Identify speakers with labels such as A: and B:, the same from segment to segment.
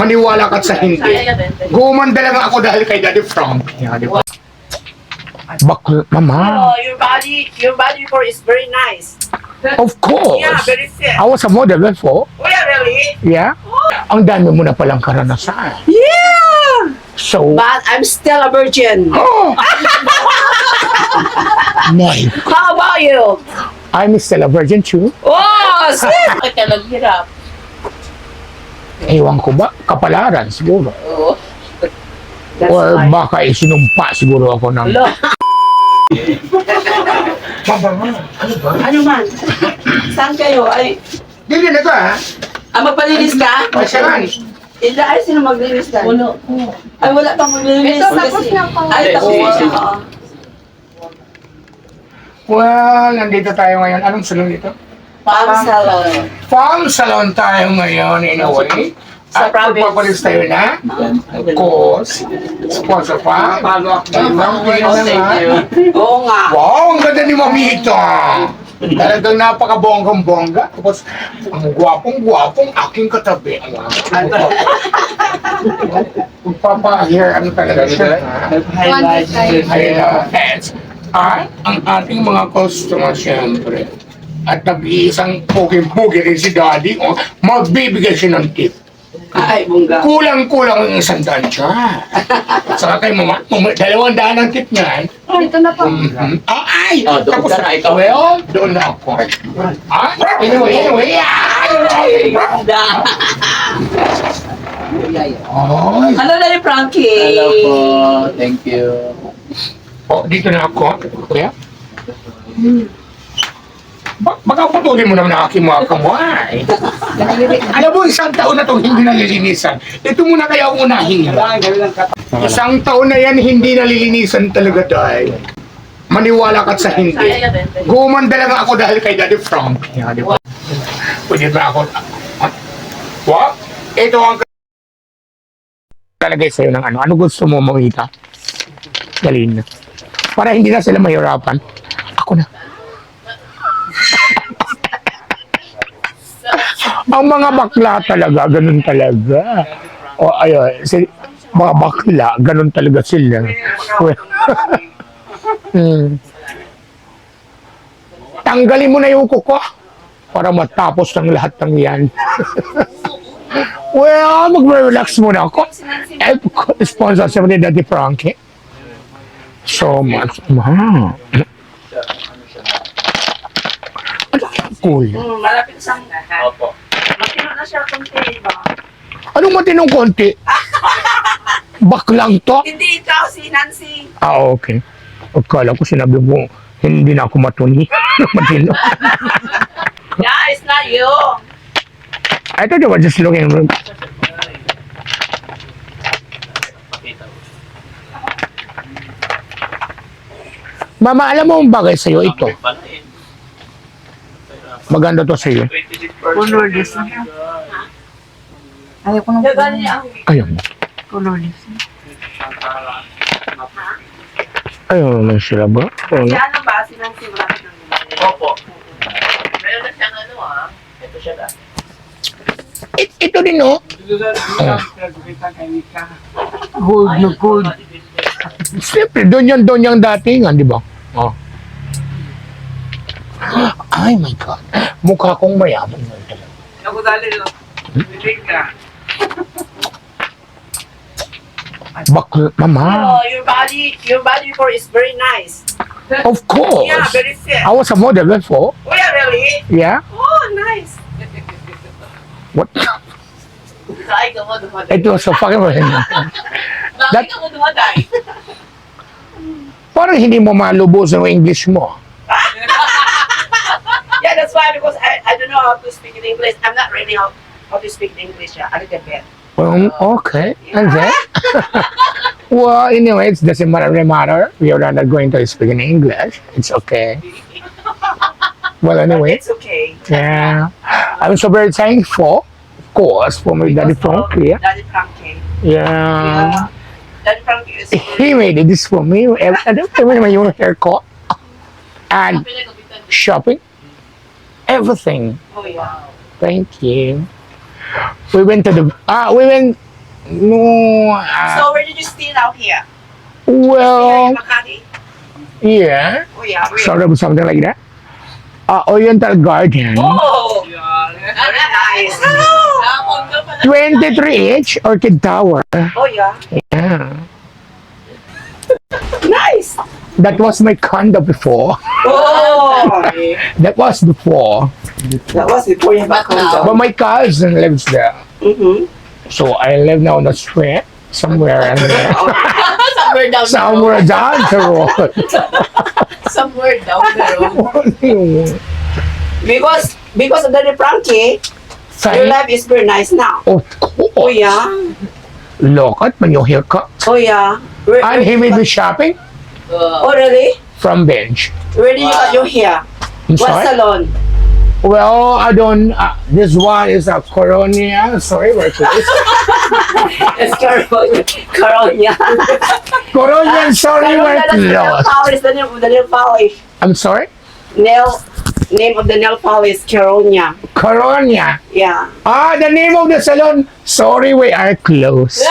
A: Maniwala ka sa hindi. Gumanda lang ako dahil kay Daddy Frank. Yeah, di ba? Mama.
B: Oh, your body before is very nice.
A: Of course.
B: Yeah, very fit.
A: I was a model before.
B: Oh, yeah, really?
A: Yeah. Ang dami mo na palang karanasan.
B: Yeah!
A: So,
B: But I'm still a virgin.
A: oh! My,
B: How about you?
A: I'm still a virgin too.
B: Oh, shit! Bakit ka naghirap?
A: Ewan ko ba? Kapalaran siguro.
B: Oo. That's
A: Or
B: why.
A: baka isinumpa siguro ako ng...
B: Hello?
A: Ano ba?
B: Ano man? Saan kayo? Ay,
A: Hindi na ito ha?
B: maglilinis ka?
A: Masyaran.
B: Hindi, ay, sino maglilinis ka? Wala. Ay, wala pang maglilinis.
C: Ito, tapos na ako.
B: Ay, tapos
D: Si-
B: na.
A: Well, nandito tayo ngayon. Anong salon dito?
B: Palm salon.
A: Farm salon tayo ngayon in a way.
B: Sa
A: At
B: province.
A: magpapalis tayo na. Of course. Sponsor pa.
B: Oo nga.
A: Wow, ang ganda ni Mamito. Talagang napaka-bonggang-bongga. Tapos, ang gwapong-gwapong aking katabi. Magpapa-hair, ano talaga siya. Highlights. At ang ating mga customer, siyempre. At nag-iisang pogi-pogi rin si Daddy. O, magbibigay siya ng tip.
B: Ay, bungga.
A: Kulang-kulang ang 100 siya. At saka kay Mama, 200 ang tip niyan.
C: Dito na po.
A: Ay!
D: Oh, doon ka na ikaw.
A: Well, doon na ako. Anyway.
B: Bungga.
A: Oh,
B: Hello, Daddy Frankie.
D: Hello po. Thank you.
A: oh, dito na ako. Kuya? Baka putulin mo naman ang aking mga kamay. Alam mo, 1 taon na itong hindi nalilinisan. Ito muna kaya ang unahin niya. 1 taon na yan hindi nalilinisan talaga dahil. Maniwala ka sa hindi. Gumanda lang ako dahil kay Daddy Frank. Yeah, di ba? Pwede ba ako? What? Ito ang talagay sa'yo ng ano. Ano gusto mo makita? Galing na. Para hindi na sila mahirapan. Ako na. Ang mga bakla talaga, ganun talaga. O ayun, mga bakla, ganun talaga sila. Tanggalin mo na yung kuko para matapos ng lahat ng yan. Well, mag-relax muna ako. Sponsor siya ni Daddy Frankie. So much. Ma. Cool.
B: Malapit sa
D: Opo.
B: Matino na siya kung ba?
A: Anong matinong konti? Baklang to?
B: Hindi ikaw, si Nancy.
A: Ah, okay. Akala ko sinabi mo, hindi na ako matuni. Matino.
B: Yeah, it's not you.
A: I thought you were just looking. Mama, alam mo ang bagay sa'yo ito. Maganda to sa'yo.
C: Colorless na. Ayaw ko ng
B: Dagan niya ang
A: Ayaw mo.
C: colorless.
A: Ayaw naman sila ba?
B: si ano ba? Si Nancy malapit ng
D: Opo.
B: Meron na siyang ano Ito siya ba?
A: Ito din, no?
C: Gold na gold.
A: Siyempre, doon yung datingan, di ba? Oh. Ay, my God. Mukha kong mayaman yun talaga.
B: Ako dali no. Bilig ka.
A: Mama.
B: Oh, your body before is very nice.
A: Of course.
B: Yeah, very fit.
A: I was a model before.
B: Oh, yeah, really?
A: Yeah?
B: Oh, nice.
A: What?
B: Kain ka mo, dumaday.
A: It was so fucking
B: Kain ka mo, dumaday.
A: Parang hindi mo malubos ang English mo.
B: Yeah, that's why, because I don't know how to speak in English. I'm not really how to speak in English, a little bit.
A: Okay. And then? Well, anyway, it doesn't matter. We are not going to speak in English. It's okay. Well, anyway.
B: It's okay.
A: Yeah. I'm so very thankful, of course, for my Daddy Frankie.
B: Daddy Frankie.
A: Yeah.
B: Daddy Frankie is
A: He made this for me. Even yung haircut. And shopping. Everything.
B: Oh, yeah.
A: Thank you. We went to the No,
B: So where did you stay out here? Here
A: well,
B: in Makati?
A: yeah.
B: Oh yeah, where?
A: Sort of something like that. Oriental Garden.
B: Oh! Very nice.
A: 23 each, Orchid Tower.
B: Oh yeah.
A: Yeah.
B: Nice!
A: That was my condo before.
B: Oh!
A: That was before.
B: That was before you back home.
A: But my cousin lives there.
B: Mm-hmm.
A: So I live now on the street, somewhere in there.
E: Somewhere down
A: Somewhere down the road.
E: somewhere down the road.
B: Because of the Frankie, your life is very nice now.
A: Of
B: Oh
A: course.
B: yeah.
A: Look at my new haircut.
B: Oh yeah.
A: And he may be shopping
B: Oh really?
A: from bench.
B: Where did you cut your hair?
A: I'm
B: What
A: sorry.
B: salon?
A: Well, I don't. This one is a Coronia. Sorry, we're close.
B: It's Caronia.
A: Coronian, sorry, we're
B: Nail
A: close.
B: polish, the nail polish.
A: I'm sorry?
B: Name of the nail polish, Caronia.
A: Coronia.
B: Yeah.
A: The name of the salon. Sorry, we are close.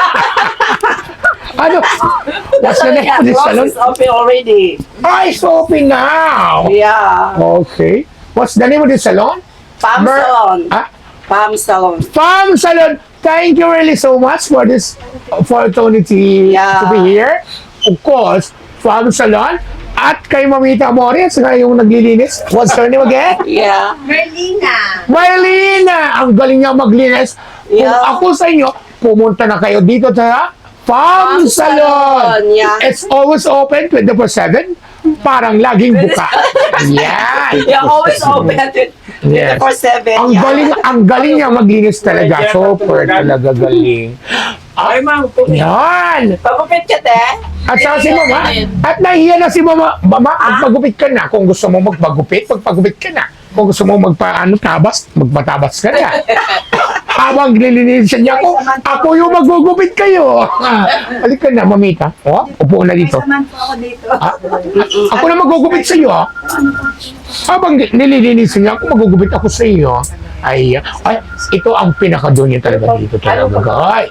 A: Ano? What's the name of the
B: Close
A: salon?
B: is open already.
A: It's open now.
B: Yeah.
A: Okay. What's the name of the salon?
B: Palm
A: Mer-
B: salon.
A: Ah,
B: Palm salon.
A: Farm Salon. Thank you really so much for this opportunity
B: Yeah.
A: to be here. Of course, Farm Salon. At kay Mamita Amores, nga yung naglilinis. What's her name again?
B: Yeah.
A: Marlena! Ang galing niya maglinis. Kung
B: Yeah.
A: ako sa inyo, pumunta na kayo dito sa Farm
B: Farm
A: Salon.
B: Salon, yeah.
A: It's always open 24/7. Parang laging buka. Yan.
B: You're always open
A: Yes.
B: 24/7.
A: Ang
B: yeah.
A: galing niya maglinis talaga. Super talaga galing.
B: Ay, ma'am.
A: Yan.
B: Pagupit ka, te.
A: At saka si Mama, at nahiya na si Mama. Mama, magpagupit ka na. Kung gusto mo magpagupit ka na. Kung gusto mo magpatabas ka na. Habang nililinisan niya ako yung magugupit kayo. Halika na, Mamita. Upo na dito. Ako na magugupit sa iyo. Habang nililinisan niya ako, magugupit ako sa iyo. Ay, ito ang pinaka-do niya talaga dito talaga. Ay.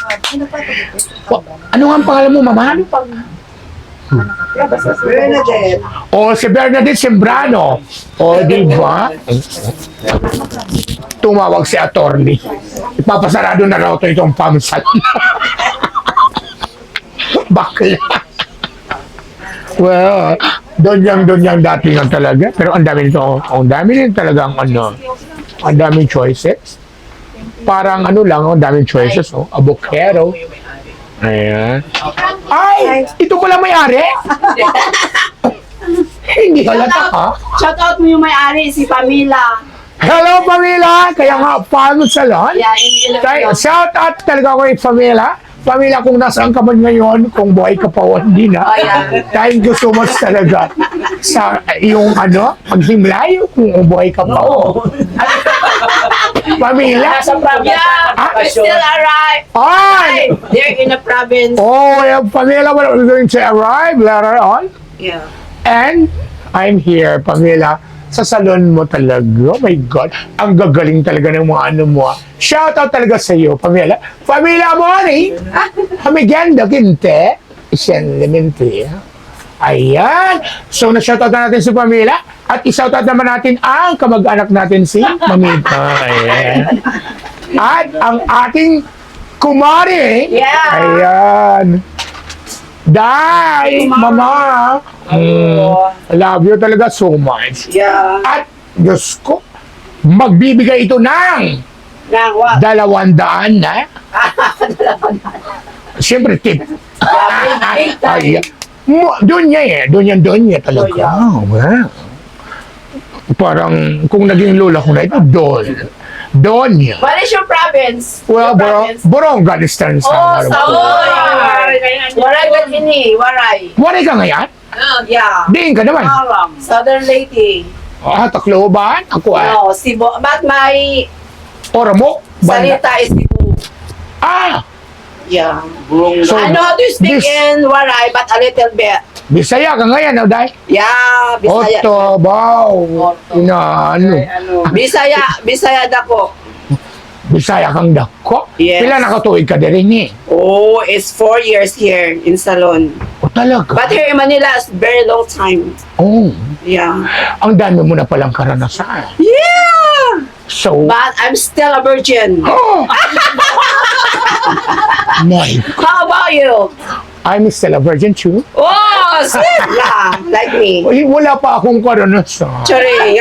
A: Ano nga ang pangalan mo, Mama?
B: Bernadette.
A: Si Bernadette Sembrano. Di ba? Tumawag si attorney. Ipapasarado na raw ito itong pamsal. Bakla. Well, doon yang dati nga talaga. Pero ang dami nito, ang dami din talagang ang daming choices. Parang ang daming choices, avocado. Ayan. Ay! Ito pala may-ari? Hindi halata ka.
B: Shout out mo yung may-ari, si Pamela.
A: Hello, Pamela! Kaya nga, Farm Salon.
B: Yeah, in Iloilo.
A: Shout out talaga ko kay Pamela. Pamela, kung nasaan ka man ngayon, kung buhay ka pa o hindi na.
B: Oh, yeah.
A: Thank you so much talaga sa iyong paghimlay kung buhay ka pa o. Pamela?
B: Yeah, we still arrive.
A: Ay!
B: They're in the province.
A: Yeah, Pamela, we're going to arrive later on.
B: Yeah.
A: And I'm here, Pamela, sa salon mo talaga. Oh my God. Ang gagaling talaga ng mga mo. Shout out talaga sa iyo, Pamela. Pamela Mori! Hamiganda kinte. Isyan lemente. Ayan. So, na-shoutout na natin si Pamela. At i-shoutout naman natin ang kamag-anak natin si Mamita. Ayan. At ang ating kumari.
B: Yeah.
A: Ayan. Dai, Mama. Love you talaga so much.
B: Yeah.
A: At, Diyos ko, magbibigay ito ng
B: Now what?
A: 200 na. Siyempre, tip. Ay, doon niya doon niya talaga.
B: Oh,
A: Wow. Parang, kung naging lola ko na ito, doon niya.
B: What is your province?
A: Well,
B: Your province?
A: Borongan Eastern Samar.
B: Waray ka kini, waray.
A: Waray ka ngayon?
B: Yeah.
A: Diin ka naman.
B: Southern Leyte.
A: Tacloban? Ako
B: No, Cebu. But my
A: Oramo? Banda.
B: salita is Cebu. Yeah.
A: So,
B: I know how to speak
A: this-
B: in Waray, but a little bit.
A: Bisaya ka ngayon, Day?
B: Yeah, Bisaya.
A: Oto, wow.
B: Oto.
A: Bisaya.
B: Bisaya dako.
A: Bisaya kang dako.
B: Yes.
A: Pila nakatuig ka din eh.
B: Oh, it's 4 years here in Salon.
A: O talaga?
B: But here in Manila, it's very long time.
A: Oh,
B: Yeah.
A: ang dami mo na palang karanasan.
B: Yeah!
A: So,
B: But I'm still a virgin.
A: oh! My,
B: How about you?
A: I'm still a virgin too.
B: Oh, sweet lah, like me.
A: Uy, wala pa akong karanasan.
B: Charing.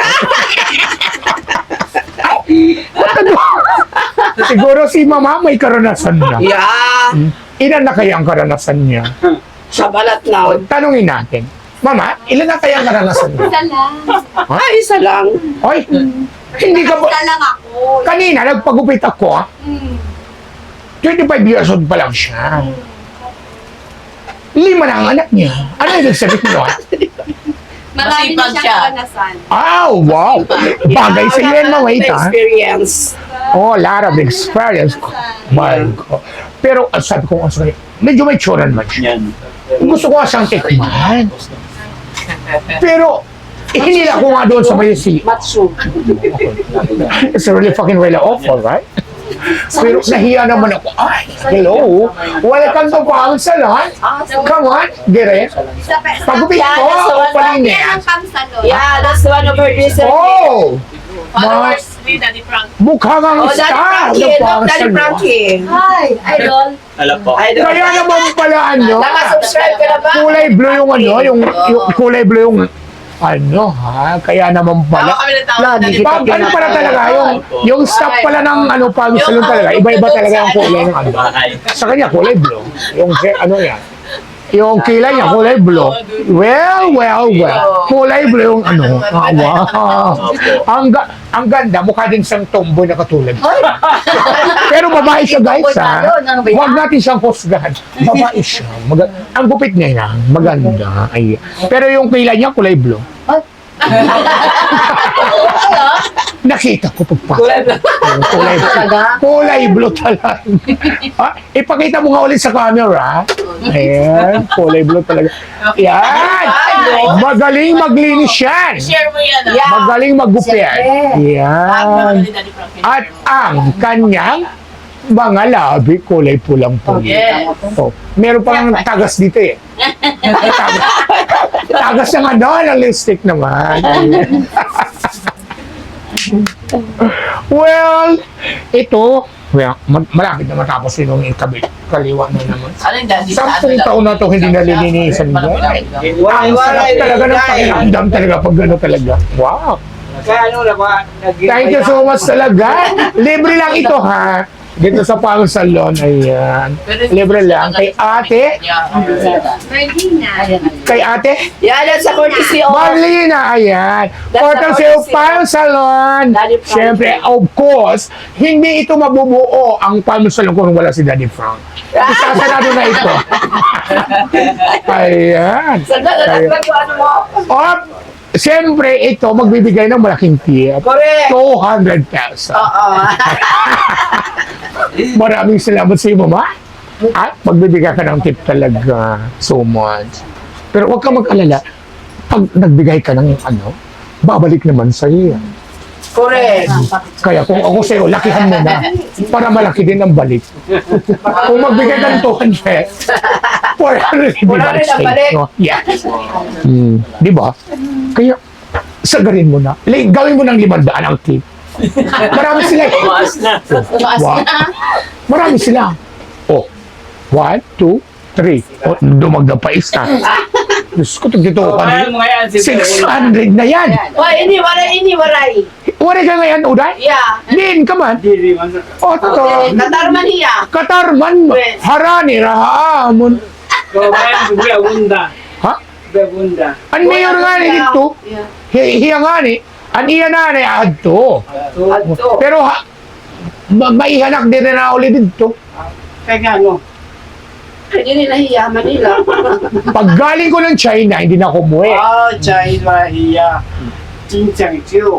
A: Siguro si mama may karanasan na.
B: Yeah.
A: Ilan na kaya ang karanasan niya?
B: Sa balat na.
A: Tanungin natin. Mama, ilan na kaya ang karanasan niya?
C: Isa lang.
B: Ay, isa lang.
A: Hoy, hindi ka ba...
C: Isa lang ako.
A: Kanina, nagpagupit ako. ah. 25 years old pa lang siya. 5 na ang anak niya. Ano yung sabihin mo?
C: Marami na
E: Masipag siya.
C: siyang karanasan.
A: Oh, wow. Bagay sa iyo yan, mawait ha.
B: Experience.
A: Oh, lot of experience. My God. Pero sabi ko nga sa kanya, medyo may tsura naman siya.
D: Yan.
A: Gusto ko nga siyang tikman. Pero, hinila ko nga doon sa may si...
B: Matsu.
A: It's really fucking really awful, right? Pero nahiya naman ako. Ay, hello. Welcome to Pangsalan. Come on, dire. Pagupit
B: Yeah,
A: ko,
B: that's the one.
A: palin
C: Yan ang pangsalon.
B: Yeah, that's one of her reasons.
A: Oh!
E: Followers ni Daddy Frank.
A: Mukha kang
B: Oh, Daddy
A: star
B: Frankie.
A: ng
B: Look, Daddy
A: Pangsalan.
B: Frankie.
C: Hi, idol.
D: Alam po.
B: I don't
A: Kaya naman pala ano,
B: Nakasubscribe ka na ba?
A: kulay blue yung ano, yung kulay blue yung ano ha, kaya naman
E: Tawa
A: pala.
E: kami ng tao.
B: Lagi
E: Daddy
B: kita
E: Frank.
A: Ano pala talaga, yung stock pala ng ano, Pangsalan talaga, iba-iba talaga yung kulay ng ano.
D: Bahay.
A: Sa kanya, kulay blue. Yung ano yan. Yung kilay niya, kulay blue. Well. Kulay blue yung ano. Ah, wow. Ang ganda, mukha din siyang tomboy na katulad. Pero babae siya, guys, ha? Huwag natin siyang husgahan. Babae siya. Ang gupit niya yan. Maganda. Ay. Pero yung kilay niya, kulay blue. Nakita ko pagpasok. Kulay blue talaga. Ipakita mo nga ulit sa camera. Ayan, kulay blue talaga. Yan! Magaling maglinis yan.
E: Share mo yan.
B: Yeah.
A: Magaling maggupit.
E: Bago
A: Yan.
E: ni Daddy Frank.
A: At ang kanyang mga labi, kulay pulang-pula.
E: Yes.
A: Oh, meron pang tagas dito eh. Tagas ng ano, ng lipstick naman. Well, ito, malapit na matapos yun yung kaliwa na naman.
E: Ano yung Daddy?
A: 10 taon na ito hindi nalilinisan mo. Ang sarap talaga ng pakiramdam talaga pag gano'n talaga. Wow!
F: Kaya ano na ba?
A: Thank you so much talaga. Libre lang ito ha. Dito sa Pangsalan, ayan. Libre lang. Kay ate,
C: Marlina.
A: kay ate,
B: Yeah, that's a courtesy of
A: Marlina, ayan.
B: That's
A: Portal
B: the
A: sa
B: courtesy
A: Pangsalan.
B: Daddy Frank.
A: Siyempre, of course, hindi ito mabubuo ang Pangsalan kung wala si Daddy Frank. Isasarado na ito. Ayan.
B: Sandali, ano mo?
A: Op, siyempre, ito magbibigay ng malaking tip.
B: Correct.
A: 200 pesos.
B: Oo.
A: Maraming salamat sa iyo, mama. At magbibigay ka ng tip talaga. So much. Pero huwag kang mag-alala. Pag nagbigay ka ng ano, babalik naman sa iyo.
B: Correct.
A: Kaya kung ako sa iyo, lakihan mo na. Para malaki din ang balik. Kung magbigay ka ng 200, 400
B: 400 ang balik.
A: No? Yes. Di ba? Kaya, sagarin mo na. Gawin mo ng 500 ang tip. Marami sila.
D: Tumaas na.
A: Wow. Marami sila. Oh, 1, 2, 3. Oh, dumagdag pa isa. Diyos ko, dito ka
F: Kaya mo ngayon si
A: 600 na yan.
B: Why, ini waray.
A: Wala ka ngayon, Uday?
B: Yeah.
A: Din ka man.
F: Diri man.
A: Oto.
B: Katarman hiya.
A: Katarman. Harani, rahamon.
F: Kaya buya bunda.
A: Ha?
F: Buya bunda.
A: Ang mayor nga ni dito. Hiya nga ni. Ang iya na ni adto.
B: Adto.
A: Pero maihanak din na ulit dito.
F: Kaya ano?
B: Hindi nila hiya, Manila.
A: Pag galing ko ng China, hindi na ako umuwi.
F: Oh, China hiya. Cincang ciu.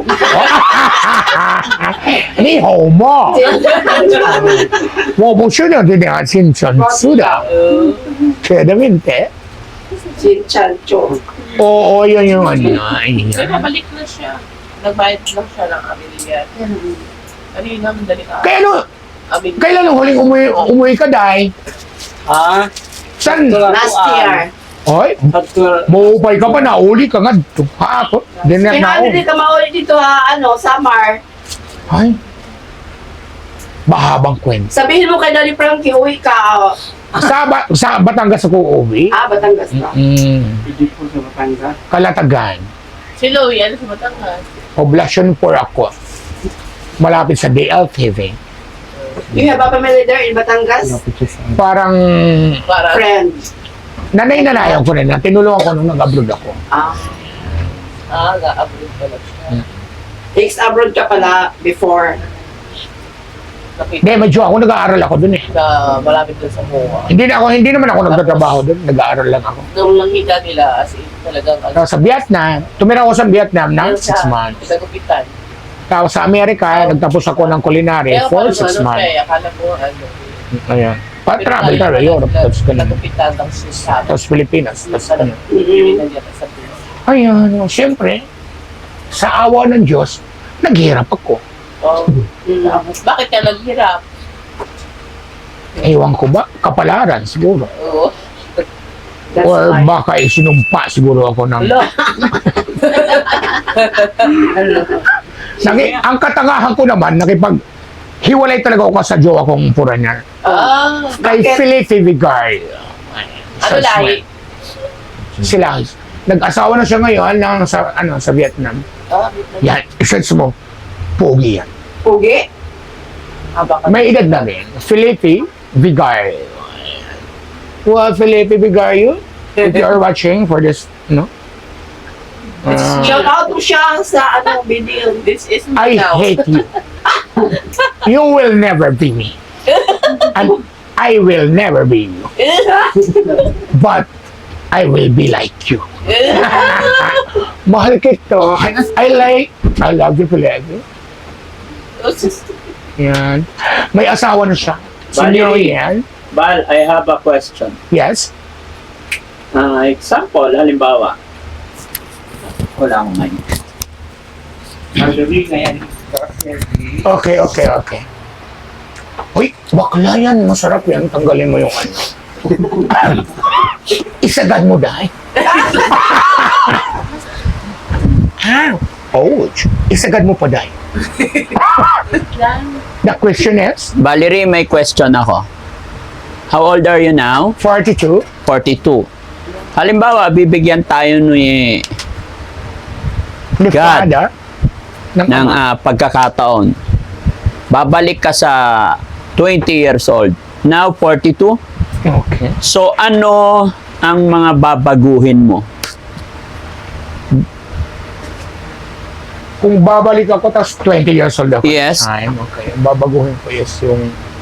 A: Ni hao mo. Wo bu shi de de ya xin chen su da. Claramente.
B: Chinchancho.
A: Oo, yun yung ano.
E: Pero nabalik na siya. Nagbayad lang siya ng abiliyat. Ano yun naman, dali ka.
A: Kaya ano,
E: Amin.
A: kailan ang huling umuwi ka, Day?
F: Ah,
A: San?
B: Last year.
A: Oy,
F: Actual.
A: maupay ka pa, nauli ka nga. Hapon, dinner na ako.
B: Hindi ka mauli dito ha, summer.
A: Ay, mahabang kwento.
B: Sabihin mo kay Daddy Frankie, uwi ka.
A: Sa Batangas ako uwi.
B: Batangas ka.
F: Hindi po sa Batangas.
A: Kalatagan.
E: Si Louie, ano sa Batangas?
A: Poblacion 4 ako. Malapit sa DLTV.
B: You have a family there in Batangas?
A: Parang
E: Para.
B: Friend.
A: nanay-nanayan ko rin na tinulungan ko nung nag-abroad ako.
E: Ga-upload pala siya.
B: Ex-abroad ka pala before.
A: Hindi, medyo ako nag-aaral ako dun eh.
E: Malapit dun sa MOA.
A: Hindi naman ako nagtatrabaho dun, nag-aaral lang ako.
E: Nung nakita nila, as in, talagang,
A: Tapos sa Vietnam, tumira ako sa Vietnam ng 6 months.
E: Pinagupitan.
A: Tapos sa Amerika, nagtapos ako ng culinary for 6 months.
E: Akala ko,
A: Ayan. Pa-travel ka, Europe, tapos ganun.
E: Pinagupitan ng Susan.
A: Tapos Pilipinas, tapos ano.
E: Sa Pinas.
A: Ayun, siyempre, sa awa ng Diyos, naghirap ako.
E: Oh. Bakit ka naghirap?
A: Ewan ko ba, kapalaran siguro.
E: Oo.
B: That's
A: Or
B: why.
A: baka isinumpa siguro ako ng...
E: Hello.
A: Ang katangahan ko naman, hiwalay talaga ako sa jowa kong foreigner. Kay
B: Bakit?
A: Felipe Vigario.
E: Ano lahi?
A: Sila, nag-asawa na siya ngayon sa Vietnam. Yan, search mo, pogi yan.
B: Pugi?
E: Baka
A: May edad na rin. Felipe Vigario. Well, Felipe Vigario, if you are watching for this, no?
B: Shout out mo siya sa video.
E: This is me
A: I
E: now.
A: hate you. You will never be me. And I will never be you. But I will be like you. Mahal kita. I love you, Felipe. Yan. May asawa na siya. Senior yan.
D: Bal, I have a question.
A: Yes.
D: Example, halimbawa, wala akong mic.
F: Sabi kaya
A: Okay. Uy, bakla yan. Masarap yan. Tanggalin mo yung ano. Isagad mo, Day. Ouch. Isagad mo pa, Day. The question is,
D: Valerie, may question ako. How old are you now?
A: 42.
D: 42. Halimbawa, bibigyan tayo ni
A: The
D: God.
A: father ng
D: ng
A: ama.
D: pagkakataon. Babalik ka sa 20 years old. Now, 42.
A: Okay.
D: So, ano ang mga babaguhin mo?
A: Kung babalik ako, tapos 20 years old ako.
D: Yes.
A: Time, okay. Babaguhin ko is yung